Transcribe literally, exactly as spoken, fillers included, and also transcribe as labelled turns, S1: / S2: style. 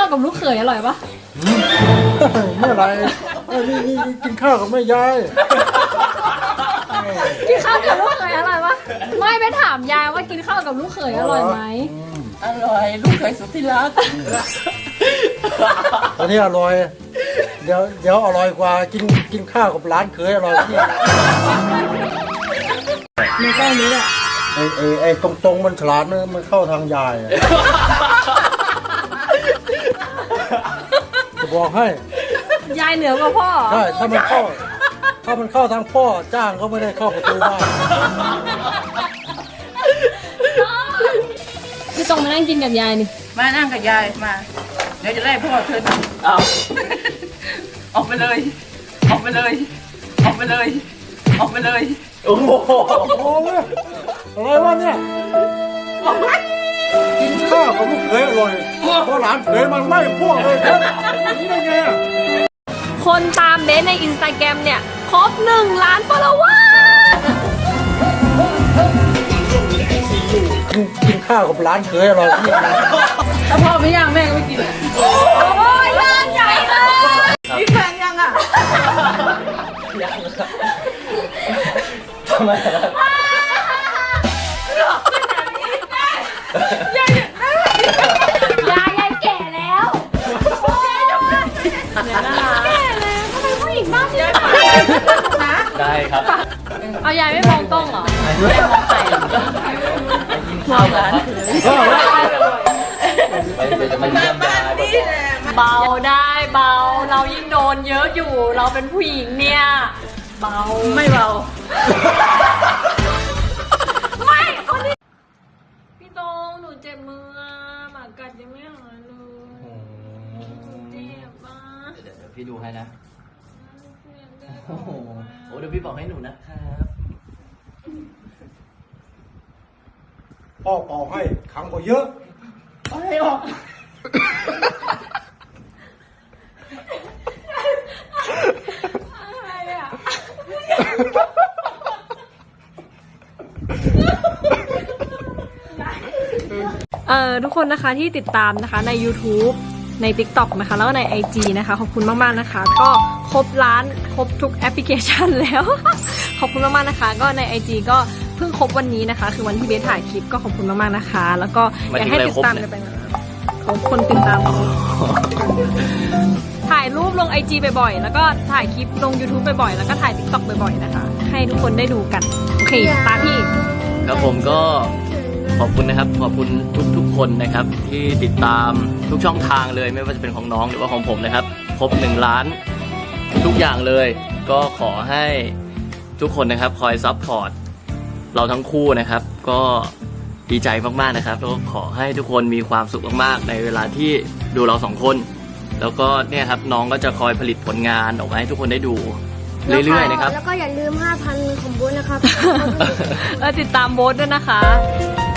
S1: กับลูกเขยอร่อยปะ
S2: เมื่อไรนี่กินข้าวกับแม่ยาย
S1: กินข้าวกับลูกเขยอร่อยปะไม่ไปถามยายว่ากินข้าวกับลูกเขยอร่อยไหม
S3: อร่อยลูกเขยสุดที่รัก
S2: ตอนนี้อร่อยเดี๋ยวเดี๋ยวอร่อยกว่ากินกินข้าวกับร้านเขยอร่อยที่
S1: ในแก้วนี้แหละ
S2: ไอ้ไอ้ไอ้ตรงตรงมันฉลาดนะมันเข้าทางยายจะบอกให้
S1: ยายเหนือกว่าพ่อ
S2: ใช่ถ้ามันเข้าถ้ามันเข้าทางพ่อจ้างก็ไม่ได้เข้าประตูบ้าน
S1: พี่ตรงมานั่งกินกับยายนี่
S3: มานั่งกับยายมาเดี๋ยวจะไล่พ่อเธอเอาออกไปเลยออกไปเลยออกไปเลยออกไปเลย
S2: โอ้โหโอ้โหอะไรวะเนี่ยกินข้าวกับลูกเขยอร่อยเพราะหลานเขยมันไล่พวกเลยครับนี่ได้ไงอ่ะ
S1: คนตามเบสในอินสตาแกรมเนี่ยครบหนึ่งล้านฟอลโลเวอร์
S2: กินข้าวกับร้านเขยอร่อยที่
S3: ถ้าพ่อไม่ย่างแม่ก็ไม่กิน
S1: โอ้ยย่างใหญ่เลย
S3: มีแฟนยังอ่ะ
S4: ยังทำไมล่ะ
S1: ยายยายแก่แล้วแก่แล้วทำไมผู้หญิงบ้าเนี่ย
S4: ได้ครับ
S1: เอายายไม่มองกล้องเหรอ
S4: ไม่มองใครมองร้านไปจะมาเยี่ยมยาย
S1: เบาได้เบาเรายิ่งโดนเยอะอยู่เราเป็นผู้หญิงเนี่ยเบา
S3: ไม่เบา
S1: ไม่คนนี้พี่ตรงหนูเจ็บมือหมากัดยังไม่หายเลยเจ็บมาก
S4: เดี๋ยวพี่ดูให้นะโอ้โหเดี๋ยวพี่บอกให้หนูนะครับ
S2: พ่อเป่าให้ขังกว่าเยอะ
S3: อะไรออก
S1: อะไรอ่ะเอ่อทุกคนนะคะที่ติดตามนะคะใน YouTube ใน ติ๊กต็อก นะคะแล้วก็ใน ไอ จี นะคะขอบคุณมากๆนะคะก็ครบล้านครบทุกแอปพลิเคชันแล้ว ขอบคุณมากๆนะคะก็ใน ไอ จี ก็เพิ่งครบวันนี้นะคะคือวันที่เบสถ่ายคลิปก็ขอบคุณมากๆนะคะแล้วก็อยากให้ติดตามกันไปนะเขาคนติดตามถ่ายรูปลง ไอ จี บ่อยๆแล้วก็ถ่ายคลิปลง YouTube บ่อยๆแล้วก็ถ่าย ติ๊กต็อก บ่อยๆนะคะให้ทุกคนได้ดูกันโอเคตาพี่
S4: ครับผมก็ขอบคุณนะครับขอบคุณทุกๆคนนะครับที่ติดตามทุกช่องทางเลยไม่ว่าจะเป็นของน้องหรือว่าของผมนะครับครบหนึ่งล้านทุกอย่างเลยก็ขอให้ทุกคนนะครับคอยซัพพอร์ตเราทั้งคู่นะครับก็ดีใจมากๆนะครับแล้วก็ขอให้ทุกคนมีความสุขมากๆในเวลาที่ดูเราสองคนแล้วก็เนี่ยครับน้องก็จะคอยผลิตผลงานออกมาให้ทุกคนได้ดูเรื่อยๆนะครับ
S5: แล้วก็อย่าลืม ห้าพัน ของโบ๊ทนะครับ
S1: ติดตามโบ๊ทด้วยนะคะ